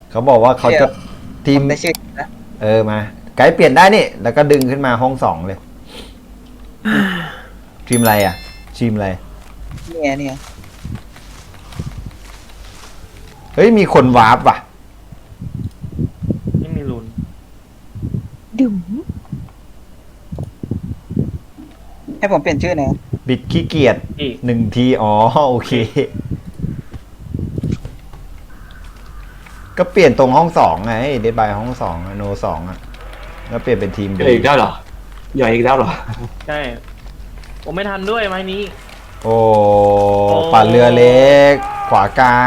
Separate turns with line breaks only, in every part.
เขาบอกว่าเขาจะทีม
ได้ชื่อนะ
มาไกด์เปลี่ยนได้นี่แล้วก็ดึงขึ้นมาห้องสองเลย ทีมอะไรอ่ะทีมอะไร
เนี่ย
เฮ้ยมีคนวาร์ปว่ะ
ไม่มีลุ้น
ดุ๋ม
ให้ผมเปลี่ยนชื่อหน่อย
บิดขี้เกียจ
อีก
1 ทีอ๋อโอเค ก็เปลี่ยนตรงห้องสองไงเดดบายห้องสองโนสองอ่ะแล้วเปลี่ยนเป็นทีม
ใหญ่อีกแล้วเหรอใหญ่อีกแล้วเหรอ
ใช่ผมไม่ทันด้วยไม้นี้
โอ้ปั่นเรือเล็ก ขวากลาง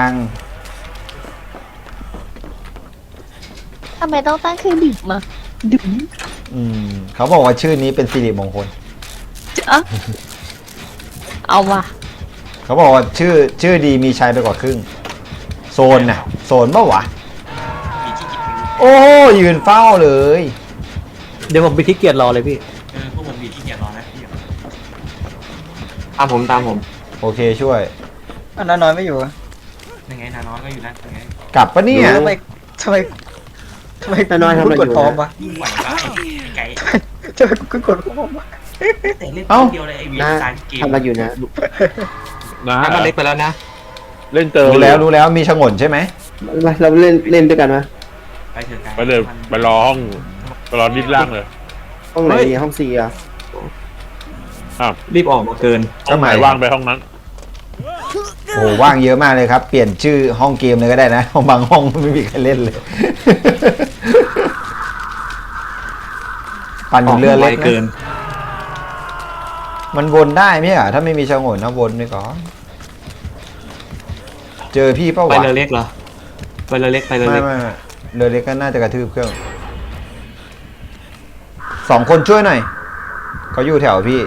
ทำไมต้องตั้งเครื่องดื่มมาดุ๋ม
เขาบอกว่าชื่อนี้เป็นสิริมงคล
จ๊ะเอาว่ะ
เขาบอกว่าชื่อดีมีชัยไปกว่าครึ่ง โซนน่ะโซนปะวะ
มีที่กิน
โอ้ยืนเฝ้าเลย
เดี๋ยวผมไปขี้เกียจรอเลยพี่
พวกผมมีที่เกียจรอนะตามผม
โอเคช่วย
อันนั้นน้อยไม่อยู่อะ
ยังไงนาน้อยก็อยู่นะยังไง
กลับปะเนี่ย
ทำไม
แต่น้อยทำอะไรอยู่
กดพร้อมวะ
ยิ่งไหวบ้าไก่
ทำไมกูกดพร้อมวะ
แต่เล่น
เอ้า
เดียวเลยไอ้วี
นะ
สายเกม
ทำอะไรอยู่นะ
น้ำมันเล็กไปแล้วนะ
เล่นเจอ
รู้แล้วมีฉงนใช่ไหม
เราเล่นด้วยกันไหม
ไปเถอะไก่
ไปเลยไปรอห้องไปรอดิสล่างเลย
ห้องไหนดีห้องสี่อ่ะ
รีบออกมาเกิน
ห้องไหนว่างไปห้องนั้น
โอ้ว่างเยอะมากเลยครับ เปลี่ยนชื่อห้องเกมเลยก็ได้นะบางห้องไม่มีใครเล่นเลย ปั่นอยู่เรือเล็ก
เกิน
นะมันวนได้ไหมอ่ะถ้าไม่มีฉงนนะวนไปก่อนเจอพี่เป้าห
ไป
วะ
เรือเล็กเหรอไปเรือเล็ก
ไม่เรือเล็กก็น่าจะกระทืบเครื่อง2 คนช่วยหน่อยเขาอยู่แถวพี่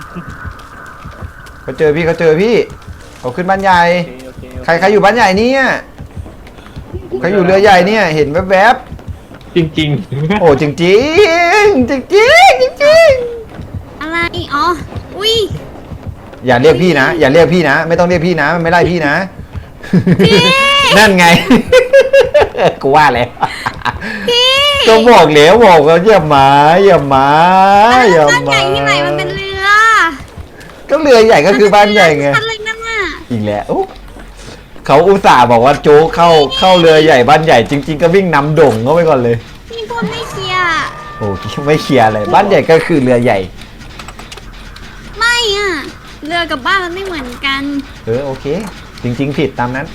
เขาเจอพี่เขาขึ้นบ้านใหญ่
โอเค
ใครอยู่บ้านใหญ่เนี่ยใครอยู่เรือใหญ่เนี่ยเห็นแวบ
จริง
ๆโอ้จริงจริงๆจริงๆจริง
อะไรอ๋ออุ้ย
ๆอย่าเรียกพี่นะไม่ต้องเรียกพี่นะมันไม่ไล่พี่นะ นั่นไง กูว่าแล้วก็บอกแล้วบอกว่าอย่ามา
บ้านใหญ่ที่ไหนมันเป็นเรือ
ก็เรือใหญ่ก็คือบ้านใหญ่ไง
ทันเลยนั่นน่ะ
อีกแล้วอุ๊ยเขาอุตส่าห์บอกว่าโจ๊กเข้าเรือใหญ่บ้านใหญ่จริง ๆ ก็วิ่งนำด่งเข้าไปก่อนเลย
พี่พูดไม่เคลียร์
โอ้ไม่เคลียร์เลยบ้านใหญ่ก็คือเรือใหญ่
ไม่อ่ะเรือกับบ้านมันไม่เหมือนกัน
โอเค จริง ๆ ผิดตามนั้น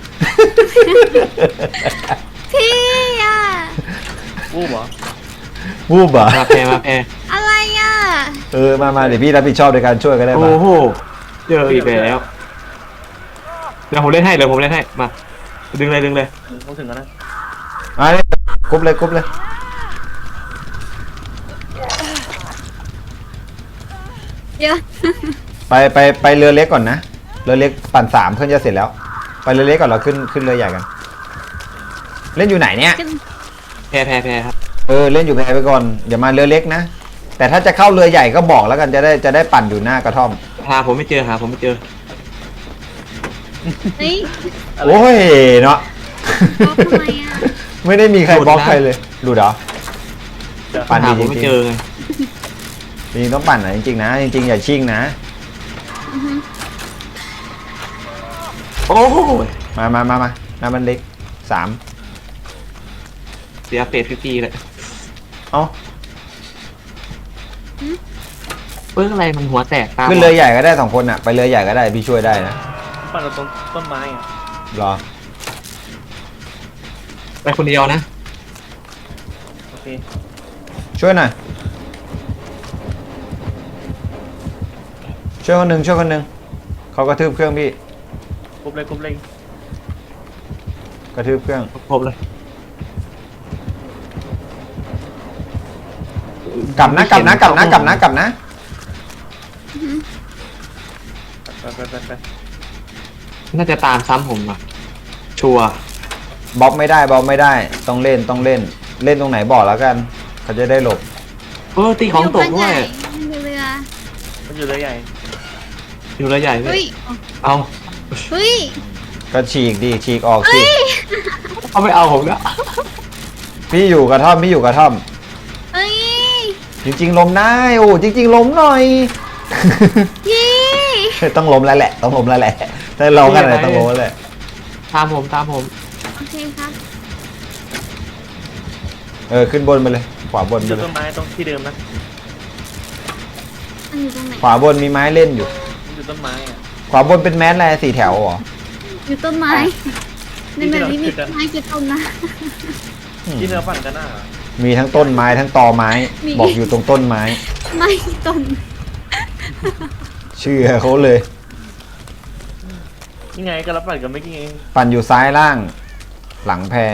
พี่อ่ะ
วูบเหรอ
วูบเหรอ
ๆมาแพร
อะไรอ่ะ
มาเดี๋ยวพี่รับผิดชอบในการช่วยก็ได้
โอ้
มา
โหเจออีกแล้วเดี๋ยวผมเล่นให้มาดึงเลย
ต้องถึงแล้วนะ
มาเลยกรุ๊บเลย
เดี๋ยว
ไปเรือเล็กก่อนนะเรือเล็กปั่น3เพื่อนจะเสร็จแล้ว ไปเรือเล็กก่อนเราขึ้นเรือใหญ่กัน เล่นอยู่ไหนเนี่ย
แพรครับ
เล่นอยู่แพไปก่อนอย่ามาเรือเล็กนะแต่ถ้าจะเข้าเรือใหญ่ก็บอกแล้วกันจะได้ปั่นอยู่หน้ากระท่อม
หาผมไม่เจอ
เฮ้ย
โอ้ยเนาะ
บล็อกทำไมอ่ะ
ไม่ได้มีใครบล็อกใครเลยดูเหรอปั่น
หา
ดี
ผม
จ
ไม่
ริง
เจอไง
ๆจริงๆต้องปั่นนะจริงๆนะจริงๆอย่าชิ่งนะ
โอ้โห
มามันเล็ก3
เสียเฟส50เลย
เอ้า
เปิ้งอะไรมันหัวแตกตา
ขึ้นเรือใหญ่ก็ได้2 คนอ่ะไปเรือใหญ่ก็ได้พี่ช่วยได้นะ
ปั่นเราตรงต้นไม้อ่ะ
รอ
ไปคนเดียวนะ
โอเค
ช่วยหน่อยช่วยคนหนึ่งเขากระทืบเครื่องพี่
กรุ๊บเลย
กระทืบเครื่อง
ครบเลย
กลับนะ
ไป
น่าจะตามซ้ำผมอ่ะชัวร์
บล็อกไม่ได้ต้องเล่นเล่นตรงไหนบอกแล้วกันเขาจะได้หลบ
ตีของตกด้วย
อยู่เรือ
มันอยู่เรือใหญ่
อยู่เรือใหญ่ด้ว
เฮ้
ย
ย
เอา
เฮ้ย
ก็ฉีกดิฉีกออกสิ
เขาไม่เอาผมแล้ว
พี่อยู่กระท่อมพี่อยู่กระท่อม
เอ้ย
จริงๆล้มได้โอ้จริงๆล้มหน่อย
พี่
ต้องล้มแล้วแหละ ต้องล้มแล้วแหละถ้าเรากันอะไรต้องล้มแล้วแหละ
ตามผมตามผม
โอเคครับ
ขึ้นบนไปเลยขวาบนไป
จุด
เล
ต้
ย
นไม้ตรงที่เดิมนะ
มันอยู่ตรงไหน
ขวาบนมีไม้เล่นอยู่
จุดต้นไม้อ่ะ
ขวาบนเป็นแมสอะไร4 แถวเหรอ
อยู่ต้นไม้ในแบบนี้มีต้นไม้กี่ต้นนะ
ที่เราปั่นกันน่ะ
มีทั้งต้นไม้ทั้งตอไม้
มี
บอกอยู่ตรงต้นไม้
ไม่กี่ต้น
เชื่อเขาเลย
นี่ไงก็รับปั่นกันไม่กี่เอง
ปั่นอยู่ซ้ายล่าง หลังแพ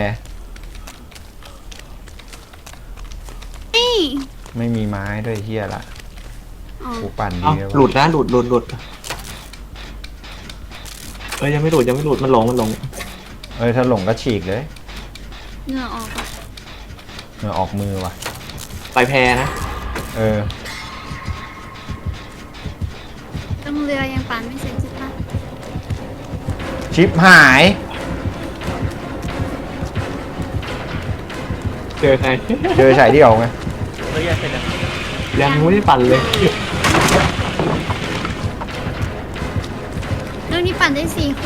นี่
ไม่มีไม้ด้วยเฮียละ
อ๋อ
กูปั่น
เอา
ดีแล้ว
หลุดนะหลุดยังไม่หลุดมันหลง
ถ้าหลงก็ฉีกเลย
เหงื่อออกอะ
ออกมือว่ะ
ไปแพนะ
ต้องเรือยังปั่นไม่เสร็จใช่ปะ
ชิปหาย
เจอใคร
เจอฉายเดี่ยวไง
แล้วแยกเสร็จยัง
ยังไม่ได้ปั่นเลย
เรื่องนี้ปั่นได้4 คน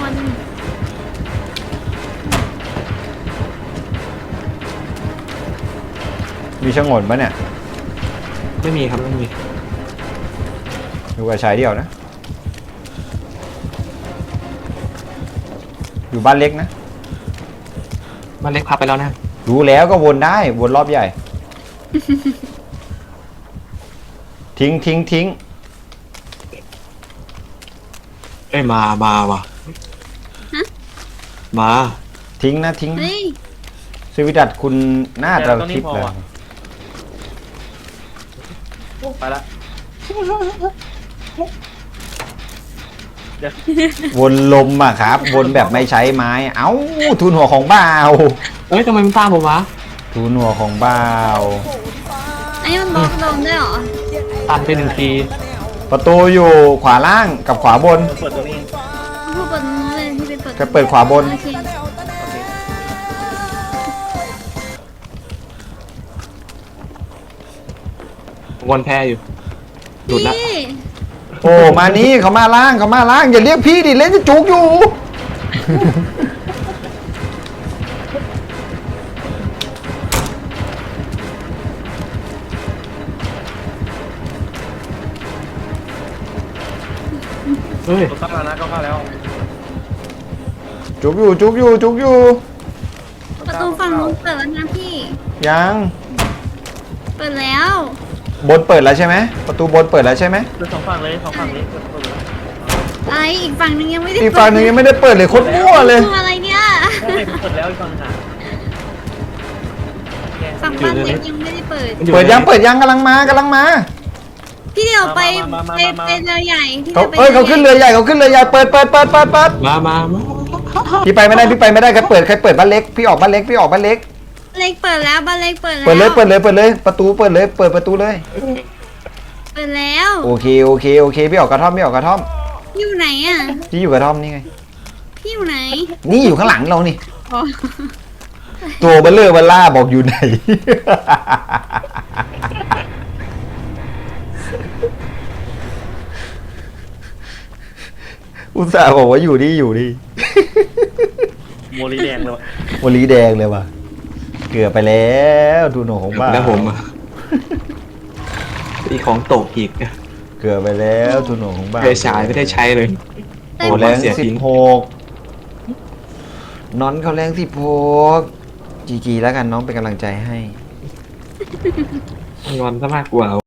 มีชะงนปะเนี่ย
ไม่มีครับไม่มี
อยู่กับฉายเดี่ยวนะ อยู่บ้านเล็กนะ
มันเล็กพับไปแล้วนะ
รู้แล้วก็วนได้วนรอบใหญ่ ทิ้ง
เอ้ยมาว่ะมา
ทิ้งนะ
เฮ้ย
สวิดัตคุณน่าจะทิปเลย
ไปละเดี๋ยว
วนลมอะครับ วนแบบไม่ใช้ไม้ เอ้าทุนหัวของบ้าว
เอ้ยทำไมมันตามผมวะ
ทุนหัวของบ้าว
อันนี้มันบล็อกลงด้วยเหรอ
ตันไป1 ที
ประตูอยู่ขวาล่างกับขวาบน
เปิดตรงนี้
ผู้เปิดตรงนู้นเลยที่ไปเปิด
จะเปิดขวาบน
โอเค
วนแพอยู่หลุดละ
พี่
โอ้มานี่เขามาล่างอย่าเรียกพี่ดิเล่นจะจุกอยู่
เฮ้ย
ตัวตั้งแล้วนะก็เข้าแล้ว
จุกอยู่
ประตูฝั่งนู้นเปิดแล้วนะพี่
ยัง
เปิดแล้ว
บนเปิดแล้วใช่ไหมประตูบนเปิดแล้วใช่ไหม
คือ2 ฝั่งเลย2 ฝั่งนี้เปิดเลย
ไออีกฝั่งนึงยังไม่ได้
อีกฝั่งหนึงยังไม่ได้เปิดเลยโคตรมั่วเลย
ตัวอะไรเนี่ย
ใช่เปิดแล้วอีกฝั่งหนึ่งอ่ะแยก
ฝั่งบ้านเล็กยังไม่ได้เปิด
มันอยู่
เปิดยัง
ใน
เปิดยังกำลังมา
พี่เดี๋ยวไปเรือใหญ่พี่
เขาขึ้นเรือใหญ่เปิด
มา
พี่ไปไม่ได้ใครเปิดบ้านเล็กพี่ออกบ้านเล็ก
เล็กเปิดแล้วบ้านเล็กเปิดแล้ว
เปิดเลยประตูเปิดเลยเปิดประตูเลย
เปิดแล้ว
โอเคพี่ออกกระท่อม
อยู่ไหนอ่ะ
พี่อยู่กระท่อมนี่ไง
พี่อยู่ไหน
นี่อยู่ข้างหลังเรานี่
อ๋อ
ตัวเบลเลอร์เบลล่าบอกอยู่ไหน อุตส่าห์บอกว่าอยู่นี่
โมลีแดงเลยวะ
วันลีแดงเลยว่ะ เกือบไปแล้วดูหนูของบ้า
แล้วผมอะอีของตกอีก
เกือบไปแล้วดูหนูของบ้า
เฟฉายไม่ได้ใช้เลย
โอ้แรง
เสียทิ้ง
16น้อนเขาแรง16จีแล้วกันน้องเป็นกำลังใจให้
งอนซะมากกว่า